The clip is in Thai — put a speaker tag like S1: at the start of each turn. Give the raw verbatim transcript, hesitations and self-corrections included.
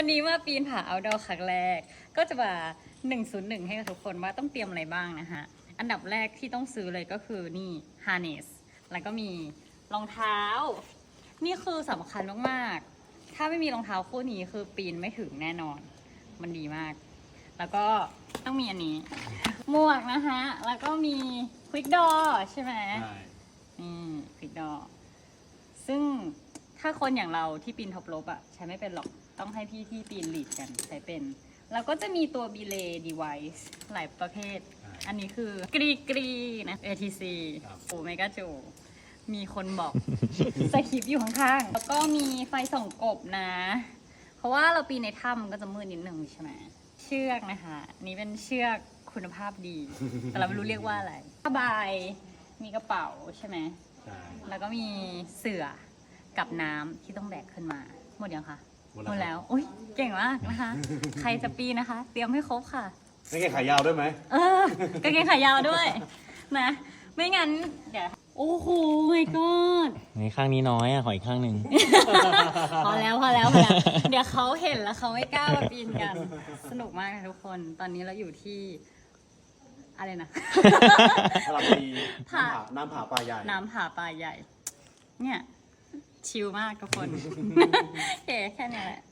S1: วันนี้มาปีนผาเอาท์ดอร์ครั้งแรกก็จะมาหนึ่งศูนย์หนึ่งให้กับทุกคนว่าต้องเตรียมอะไรบ้างนะฮะอันดับแรกที่ต้องซื้อเลยก็คือนี่ harness แล้วก็มีรองเท้านี่คือสำคัญมากๆถ้าไม่มีรองเท้าคู่นี้คือปีนไม่ถึงแน่นอนมันดีมากแล้วก็ต้องมีอันนี้หมวกนะฮะแล้วก็มี quick door ใช่ไหมใช่นี่ quick door ซึ่งถ้าคนอย่างเราที่ปีนท็อปโรปอะใช้ไม่เป็นหรอกต้องให้พี่ที่ปีนลีดกันใช้เป็นแล้วก็จะมีตัว belay device หลายประเภทอันนี้คือกรีกรีนะ เอ ที ซี โอเมก้าจูมีคนบอกสคริปต์อยู่ข้างๆแล้วก็มีไฟส่องกบนะเพราะว่าเราปีนในถ้ำก็จะมืดนิดนึงใช่ไหมเชือกนะคะนี่เป็นเชือกคุณภาพดีแต่เราไม่รู้เรียกว่าอะไรผ้าใบมีกระเป๋าใช่ไหมใช่แล้วก็มีเสื่อกับน้ำที่ต้องแบกขึ้นมาหมดยังคะหมดแล้วอุ้ยเก่งมากนะคะ ใครจะปีนนะคะ เตรียมให้ครบค่ะ
S2: กางเกงขายาวด้วยไหม
S1: เออกางเกงขายาวด้วยนะไม่งั้นเดี๋ยวโอ้โหไม่กอด
S3: ในข้างนี้น้อยอ่ะขออีกข้างหนึ่ง
S1: พอแล้วพอแล้วพอแล้วเดี๋ยวเขาเห็นแล้วเขาไม่กล้ามาปีนกันสนุกมากค่ะทุกคนตอนนี้เราอยู่ที่อะไรนะ
S2: พาราปีน้ำผาน้ำผาปลาใหญ่
S1: น้ำผาปลาใหญ่เนี่ยชิลมากทุกคนโอเคแค่นี้แหละ